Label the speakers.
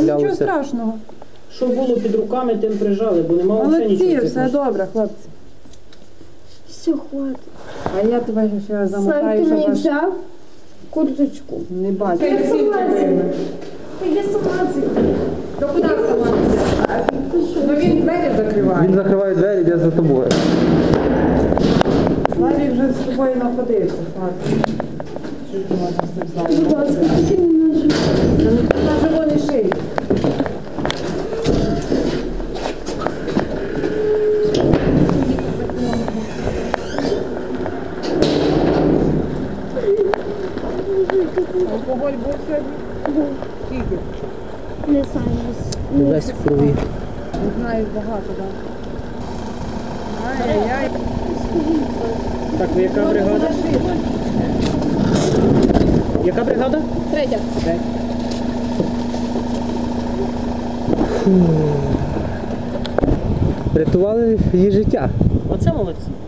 Speaker 1: Нічого
Speaker 2: траплялося.
Speaker 1: страшного.
Speaker 3: Що було під руками, тим прижали, бо нема взагалі
Speaker 1: Молодці,
Speaker 3: нічого.
Speaker 1: все добре, хлопці.
Speaker 4: Все, хватить.
Speaker 1: А я тебе ще замотаю,
Speaker 4: Сань, ти
Speaker 1: щоб
Speaker 4: мені
Speaker 1: вас
Speaker 4: взяв курточку.
Speaker 1: не бачити.
Speaker 4: Я согласен. Я согласен.
Speaker 1: То куди вставатися? Ну він двері закриває.
Speaker 2: Він закриває двері, йде за тобою.
Speaker 1: Славік вже з тобою находився. Що ти можна з тим Славіком?
Speaker 4: Будь ласка, ти мені ножик.
Speaker 1: На живо не шиї. Алкоголь був сьогодні? Скільки?
Speaker 4: Не знаю.
Speaker 2: Десь в крові.
Speaker 1: Не знаю, багато, так. Ай-яй-яй.
Speaker 3: Так, ви яка бригада? Яка бригада?
Speaker 4: Третя.
Speaker 2: Рятували її життя.
Speaker 3: Оце молодці.